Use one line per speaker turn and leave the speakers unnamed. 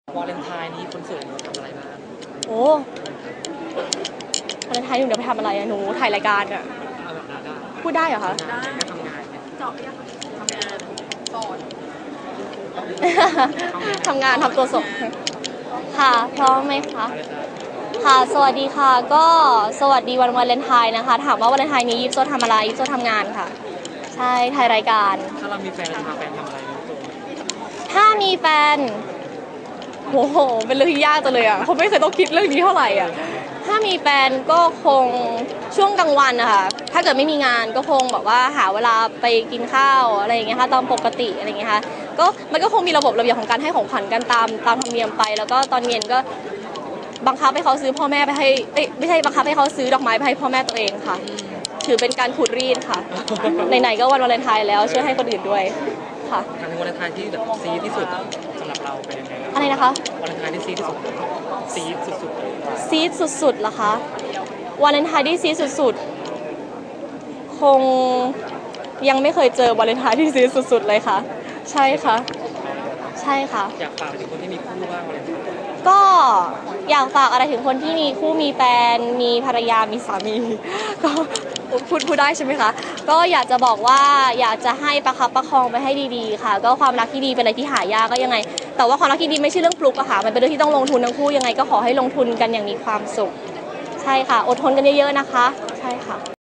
วาเลนไทน์นี้คนสวยทำอะไรบ้าง
โอ้วาเลนไทน์หนูเดี๋ยวไปทำอะไรอะหนูถ่ายรายการอะ
เอาแบบนั้นได้
พูดได้เหรอคะ
ได้ทำงานเนี่ย
เจาะยังทำงานสอน
ทำงานทำตัวส่งค่ะพร้อมไหมคะค่ะสวัสดีค่ะก็สวัสดีวันวาเลนไทน์นะคะถามว่าวาเลนไทน์นี้ยิปโซทำอะไรยิปโซทำงานค่ะใช่ถ่ายรายการ
ถ้าเรามีแฟนเราจะพาแฟนทำอะไรเนี่ย
ถ้ามีแฟนโอ้โหเป็นเรื่องที่ยากจังเลยอ่ะเขาไม่เคยต้องคิดเรื่องนี้เท่าไหร่อ่ะถ้ามีแฟนก็คงช่วงกลางวันนะคะถ้าเกิดไม่มีงานก็คงแบบว่าหาเวลาไปกินข้าวอะไรอย่างเงี้ยค่ะตามปกติอะไรอย่างเงี้ยค่ะก็มันก็คงมีระบบระเบียบของการให้ของขวัญกันตามธรรมเนียมไปแล้วก็ตอนเย็นก็บังคับให้เขาซื้อพ่อแม่ไปให้ไม่ใช่บังคับให้เขาซื้อดอกไม้ไปให้พ่อแม่ตัวเองค่ะถือเป็นการขูดรีดค่ะไหนๆก็วันวาเลนไทน์แล้วช่วยให้คนอื่นด้วยค่ะ
การเป็นวาเลนไทน์ที่แบบซีที่สุดสำหรับเราเป็นยังไง
อะไรนะคะ
วาเลนไทน์ที่ซีที่สุดซีสุด
ๆซีดสุดๆเหรอคะวาเลนไทน์ที่ซีดสุดๆคงยังไม่เคยเจอวาเลนไทน์ที่ซีดสุดๆเลยค่ะใช่ค่ะใช่ค่ะ
อยากฝากถึงคนที่มีคู่บ้างวาเลนไทน์
ก็อยากฝากอะไรถึงคนที่มีคู่มีแฟนมีภรรยามีสามีก็พูดได้ใช่ไหมคะก็อยากจะบอกว่าอยากจะให้ประคับประคองไปให้ดีๆค่ะก็ความรักที่ดีเป็นอะไรที่หายากก็ยังไงแต่ว่าความรักที่ดีไม่ใช่เรื่องฟลุกอะค่ะมันเป็นเรื่องที่ต้องลงทุนทั้งคู่ยังไงก็ขอให้ลงทุนกันอย่างมีความสุขใช่ค่ะอดทนกันเยอะๆนะคะใช่ค่ะ